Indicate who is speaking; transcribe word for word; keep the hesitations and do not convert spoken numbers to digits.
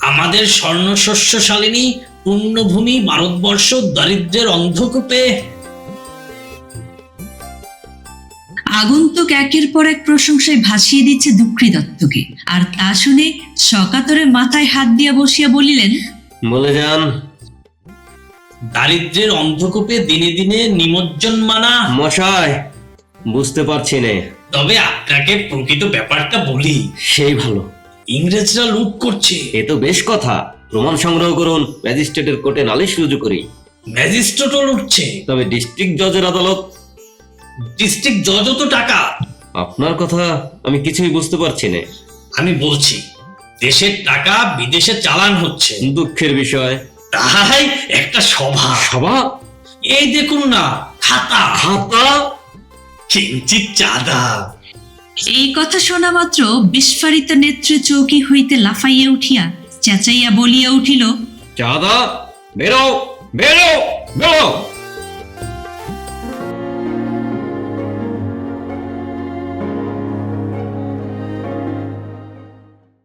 Speaker 1: আমাদের স্বর্ণশস্যশালিনী পুণ্যভূমি ভারতবর্ষ দারিদ্র্যের অন্ধকূপে।
Speaker 2: আগন্তুক একের পর এক প্রশংসায় ভাসিয়ে দিচ্ছে দুঃখী দত্তকে, আর তা শুনে সকাতরে মাথায় হাত দিয়া বসিয়া বলিলেন,
Speaker 3: বলে যান।
Speaker 1: দারিদ্র্যের অন্ধকূপে দিনে দিনে নিমজ্জনমানা।
Speaker 3: মশাই, বুঝতে পারছি নে।
Speaker 1: তবে আপনাকে প্রকৃত ব্যাপারটা বলি।
Speaker 3: সেই ভালো।
Speaker 1: ইংরেজরা লুট করছে।
Speaker 3: এ তো বেশ কথা। প্রমাণ সংগ্রহ করুন, ম্যাজিস্ট্রেটের কোর্টে নালিশ রুজু করি।
Speaker 1: ম্যাজিস্ট্রেটও লুটছে।
Speaker 3: তবে ডিস্ট্রিক্ট জজের আদালত।
Speaker 1: ডিস্ট্রিক্ট জজও তো টাকা।
Speaker 3: আপনার কথা আমি কিছুই বুঝতে পারছি না।
Speaker 1: আমি বলছি, দেশের টাকা বিদেশে চালান হচ্ছে।
Speaker 3: দুঃখের বিষয়।
Speaker 1: তাই একটা সভা।
Speaker 3: সভা?
Speaker 1: এই দেখুন না, খাতা
Speaker 3: খাতা,
Speaker 1: কিঞ্চিত চাঁদা।
Speaker 2: এই কথা শোনা মাত্র বিস্ফারিত নেত্রে চৌকি হইতে লাফাইয়া উঠিয়া চেঁচাইয়া বলিয়া উঠিল,
Speaker 3: চাঁদা, বেরো বেরো বেরো।